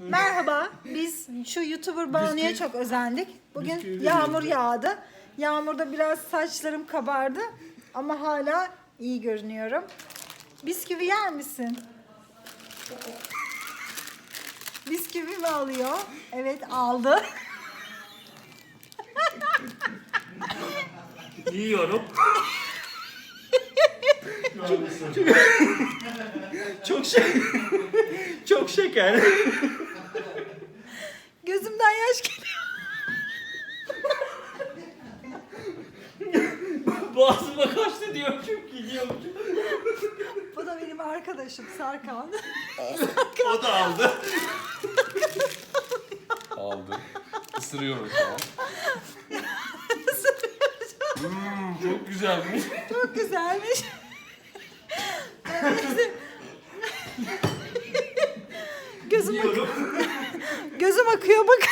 Merhaba, biz şu YouTuber Banu'ya çok özendik. Bugün yağmur yağdı. Yağmurda biraz saçlarım kabardı ama hala iyi görünüyorum. Bisküvi yer misin? Bisküvi mi alıyor? Evet, aldı. Yiyorum. Çok şeker. Gözümden yaş geliyor. Boğazıma kaçtı diyormuşum ki diyormuşum. Bu da benim arkadaşım Serkan. O da aldı. Aldım. Isırıyorum şu an. Çok güzelmiş. Çok güzelmiş. Gözüm, Yiyorum. gözüm akıyor bakın.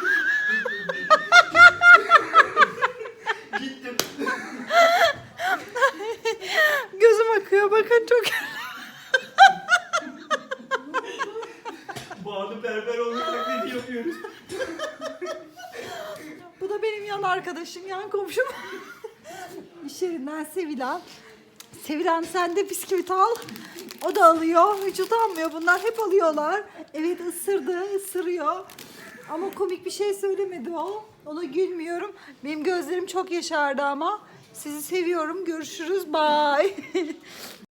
Gittim. Gözüm akıyor bakın çok. Banu berber olmak ne yapıyoruz? Bu da benim yan arkadaşım, yan komşum. İş yerinden Sevilan. Sevilan sen de bisküvit al. O da alıyor. Hiç utanmıyor. Bunlar hep alıyorlar. Evet ısırıyor. Ama komik bir şey söylemedi o. Ona gülmüyorum. Benim gözlerim çok yaşardı ama. Sizi seviyorum. Görüşürüz. Bye.